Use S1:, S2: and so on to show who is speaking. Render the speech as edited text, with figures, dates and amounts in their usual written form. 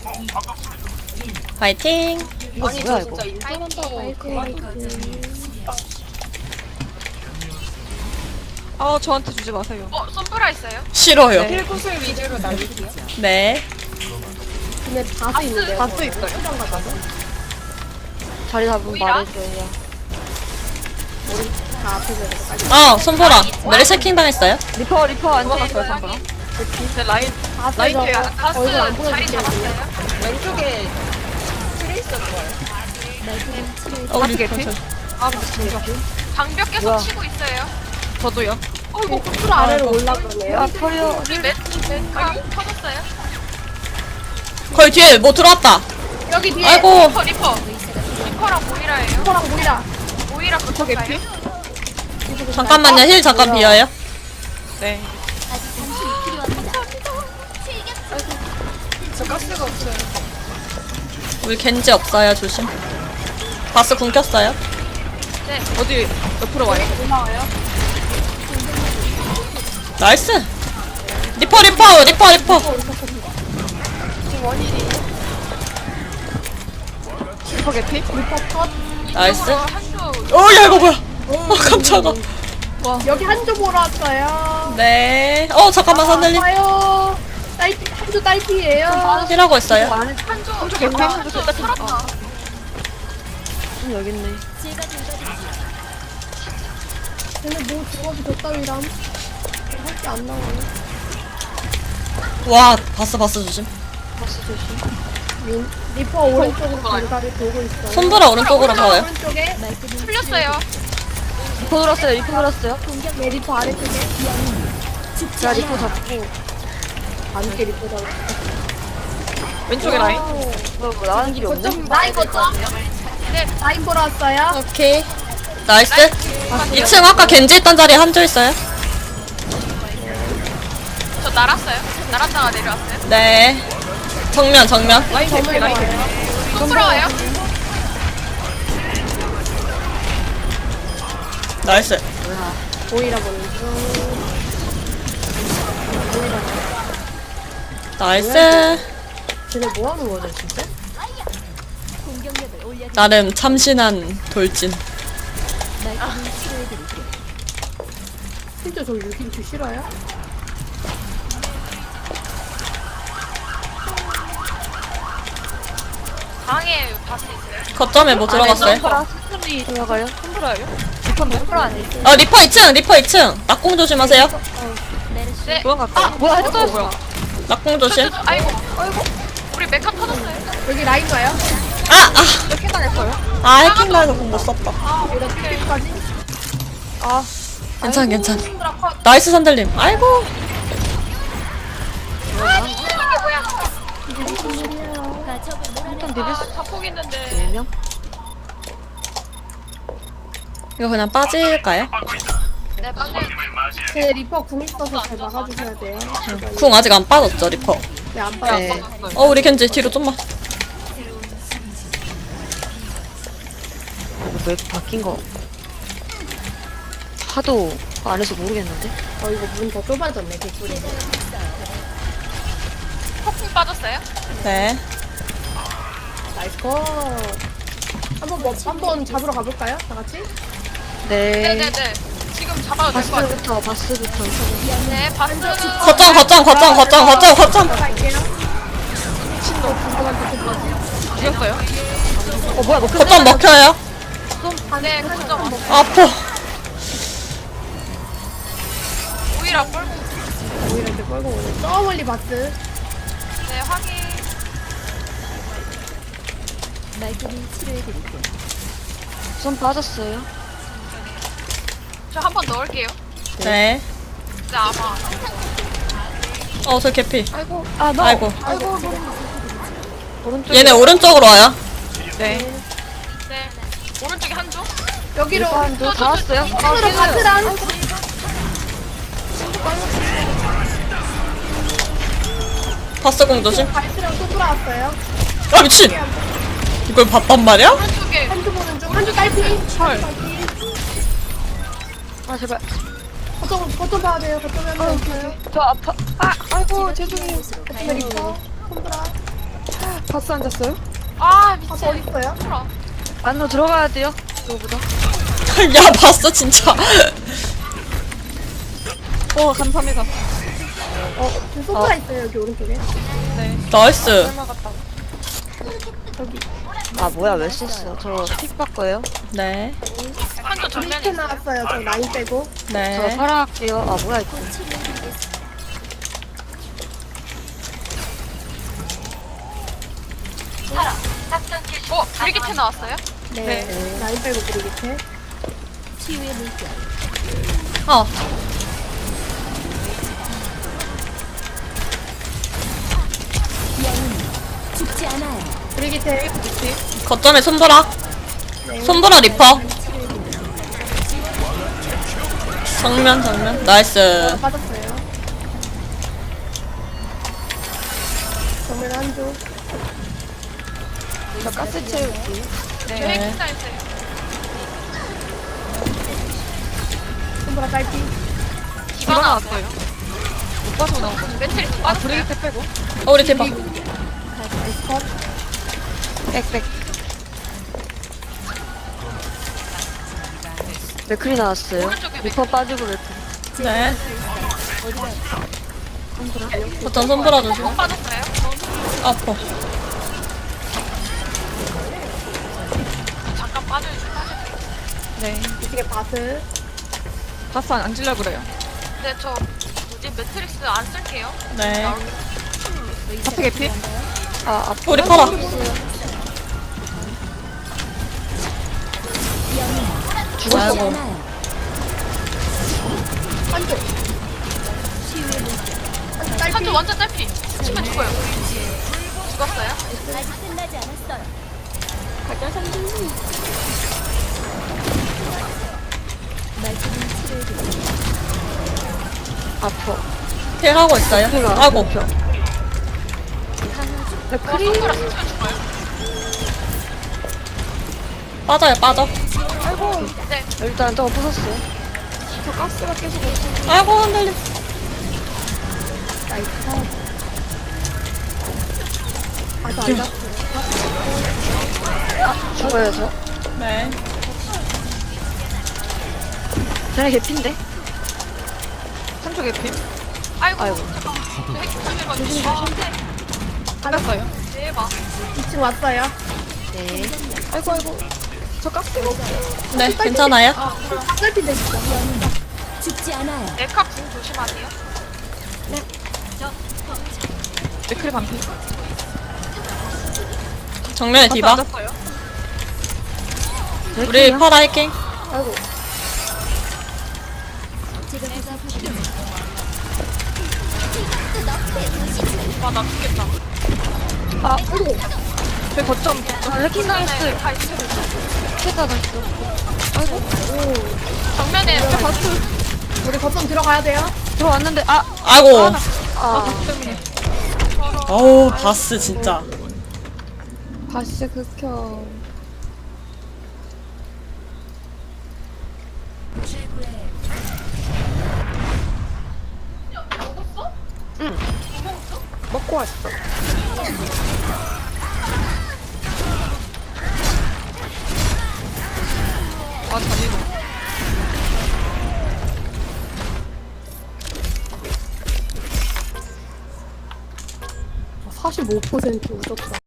S1: 파이팅.
S2: 이거
S3: 아니
S2: 뭐야
S3: 저
S2: 이거?
S3: 진짜 인턴한다고 그만두지.
S2: 아 저한테 주지 마세요.
S4: 썸브라 있어요?
S1: 싫어요.
S2: 네.
S3: 힐구슬 위주로 날릴게요.
S1: 네.
S3: 근데 바스 있는데.
S2: 바스 있어요?
S3: 시간 가져서.
S2: 자리 잡으면
S4: 뭐야?
S2: 말해줘요.
S3: 다 앞에서 이렇게 빨리.
S1: 손보라. 메리 체킹 당했어요?
S2: 리퍼 안 잡았어요 상관.
S4: 네, 라인
S3: 라인
S4: 뒤에
S3: 뒤에
S4: 가스
S3: 얼굴 안
S4: 자리
S3: 보여줄게요.
S4: 잡았어요?
S3: 왼쪽에 트레이서 좋아요.
S1: 우리
S2: 개피? 아 근데 진짜.
S4: 방벽 계속
S2: 뭐야?
S4: 치고 있어요.
S2: 저도요.
S3: 어이구 콘트롤 아래로 올라가네요.
S2: 아 털려.
S4: 우리 멘카 터졌어요?
S1: 거의 뒤에 뭐 들어왔다.
S3: 여기 뒤에
S1: 아이고.
S4: 리퍼랑 모이라예요.
S3: 리퍼랑 모이라.
S4: 모이라
S2: 리퍼 개피?
S1: 잠깐만요. 힐 잠깐 비어요.
S2: 네.
S3: 저 가스가 없어요.
S1: 우리 겐지 없어요. 조심. 바스 궁 켰어요.
S2: 어디 옆으로 와요?
S3: 올라와요.
S1: 나이스. 리퍼.
S2: 리퍼 개피?
S3: 리퍼 컷.
S1: 나이스.
S4: 한쪽
S1: 야 이거 뭐야? 깜짝아.
S3: 여기 한조 보러 왔어요.
S1: 네. 잠깐만 선생님.
S3: 와요. 딸피 한조 딸피예요.
S1: 힐하고 있어요.
S4: 한쪽
S2: 개피?
S4: 한쪽 살았다.
S2: 여기 있네.
S3: 근데 뭐 조합이 졌다위람. 할게 안 나와요.
S1: 와 바스 조심.
S2: 버스 조심.
S3: 리퍼 오른쪽으로 가리가리 돌고 있어요.
S1: 손보라 오른쪽으로 가요.
S3: 오른쪽에
S4: 풀렸어요.
S2: 리퍼 돌았어요. 리퍼 돌았어요.
S3: 네 리퍼 아래쪽에
S2: 제가 리퍼 잡고
S3: 안개 리퍼 잡고.
S2: 왼쪽에 라인. 뭐 나가는 길이 없네.
S3: 라인 거점. 네 라인 보러 왔어요.
S1: 오케이. 나이스. 2층 아까 겐지 있던 자리에 한조 있어요.
S4: 저 날았어요. 날았다가 내려왔어요.
S1: 네. 정면.
S2: 라인 개피 라인 개피.
S4: 또 풀어와요.
S1: 나이스.
S3: 보이라 보는 중.
S1: 나이스.
S3: 쟤네 뭐 하는 거죠 진짜?
S1: 나름 참신한 돌진.
S3: 진짜 저 6인치 싫어요?
S4: 방에 바스 있어요.
S1: 거점에 뭐 들어갔어요?
S2: 손보라 스톤이 들어가요? 손보라요? 리퍼 아니에요?
S1: 리퍼 2층. 낙공 조심하세요.
S4: 네.
S2: 도망갈까? 뭐야 했어 뭐야?
S1: 낙공 조심.
S4: 아이고. 우리 메카 터졌어요.
S3: 여기 라인 가요?
S2: 이렇게 당했어요?
S1: 해킹 당해서 공 못 썼다.
S3: 여기다 TV까지?
S2: 아
S1: 괜찮. 나이스 산들님. 아이고.
S2: 일단 비빌 수
S4: 자폭 있는데.
S2: 4명?
S1: 이거 그냥 빠질까요?
S4: 네, 방금
S3: 제 리퍼 궁 있어서 잘 막아주셔야 돼요.
S1: 궁 아직 안 빠졌죠 리퍼.
S3: 네안 봐요.
S2: 네.
S1: 우리 겐지 뒤로 좀만.
S2: 왜 이렇게 바뀐 거 하도 안에서 모르겠는데?
S3: 이거 문 더 좁아졌네 개꿀이.
S4: 폭풍 빠졌어요.
S1: 네.
S3: 나이스 컷. 한번 잡으러 가볼까요? 다 같이?
S2: 네.
S4: 네네네. 지금 잡아도 될 것 같아요.
S2: 바스부터
S4: 네, 바스는
S1: 거점.
S3: 갈게요.
S2: 죽였어요? 뭐야 뭐
S1: 거점 먹혀요.
S4: 네, 그점
S1: 아파.
S4: 오이라 볼.
S3: 오히려 이제 끌고 오네. 저 멀리 바스.
S4: 네, 확인.
S2: 손 빠졌어요.
S4: 저 한 번 넣을게요.
S1: 네.
S4: 네, 아마.
S1: 저 개피.
S3: 아이고.
S1: 아이고.
S2: 오른쪽.
S1: 얘네 오른쪽으로 와요.
S2: 네.
S4: 네. 오른쪽에 한 조.
S3: 여기로.
S2: 한도 다 왔어요.
S3: 손으로 바스랑.
S1: 바스 공 조심.
S3: 바스랑 또 돌아왔어요.
S1: 미친. 이걸 봤단 말이야?
S4: 오른쪽에.
S3: 한조 보는 중. 한조 딸피.
S2: 헐. 아 제발.
S3: 거점 봐야 돼요. 거점에 한명 있어요.
S2: 저 아파. 아이고 죄송해요.
S3: 거점에 리퍼. 손브라.
S2: 바스 앉았어요?
S4: 아
S3: 바스
S4: 미친.
S3: 어딨어요?
S4: 풀어.
S2: 안으로 들어가야 돼요. 이거보다.
S1: 야 봤어 진짜.
S2: 감사합니다.
S3: 지금 소프라 있어요, 여기 오른쪽에.
S1: 나이스.
S2: 아 뭐야 왜 썼어? 저픽 바꿔요.
S1: 네.
S4: 한조 정면에
S3: 리스트
S4: 있어요.
S3: 나왔어요, 저 라인 빼고.
S2: 저
S1: 네.
S2: 파라 할게요. 아 뭐야 이거.
S4: 브리기트 나왔어요?
S3: 네. 라인 빼고 브리기트.
S1: 어.
S3: 브리기트.
S1: 거점에 손보라. 손보라 리퍼. 정면. 나이스.
S3: 빠졌어요. 정면 한 조.
S2: 저 가스 채울게요.
S4: 네.
S1: 네.
S4: 핵기사 있어요.
S3: 손보라 딸피.
S4: 디바 나왔어요. 못 빠져 나왔거든요. 매트릭스 빠졌어요. 브리기트 빼고.
S1: 우리 대박.
S3: 나이스 컷.
S2: 빽빽. 맥클이 나왔어요.
S4: 오른쪽에
S2: 리퍼 빠지고 맥클.
S1: 네. 거점 손보라 조심.
S4: 빠졌어요.
S1: 아파.
S4: 잠깐 빠져주세요.
S2: 네.
S3: 이쪽에 바스.
S2: 바스 안 앉으려고 그래요.
S4: 네, 저 뭐지 매트릭스 안 쓸게요.
S1: 네.
S2: 바스 개피? 아 아파.
S1: 우리 파라.
S2: 죽었어.
S3: 한 조. 한조 딸피.
S4: 한조 완전 딸피. 치면 죽어요. 죽었어요?
S2: 아파.
S1: 힐 하고 있어요. 아고.
S2: 맥클이
S4: 손보라 치면 죽어요.
S1: 빠져요 빠져.
S4: 네.
S2: 일단 저거 부쉈어요. 저 가스가 계속 없어.
S1: 아이고 흔들려.
S3: 나이스 컷. 아저 아니다.
S2: 죽어요 저.
S1: 네.
S2: 쟤네 개피인데? 한쪽 개피?
S4: 아이고.
S2: 아이고.
S4: 저 핵기사 조심. 아, 네.
S2: 받았어요.
S4: 대박.
S3: 2층 왔어요.
S2: 네. 아이고. 저 가스가 없어.
S1: 네 괜찮아요.
S3: 딸피인데 진짜.
S4: 에카 궁 조심하세요.
S2: 맥클이 반피.
S1: 정면에 디바.
S4: 맞았어요.
S1: 우리 파라 해킹.
S3: 아이고.
S4: 와, 나 죽겠다.
S2: 아, 제 거점 해킹 당했어요.
S4: 네, 다 있어요.
S2: 해킹 당했어. 아이고.
S4: 정면에
S3: 우리 거점 들어가야 돼요.
S2: 들어왔는데 아.
S1: 아이고.
S2: 아. 때문에.
S1: 어우 바스 진짜.
S2: 바스 극혐. 응. 먹고 왔어. 아, 잔인해.
S3: 45% 웃었다.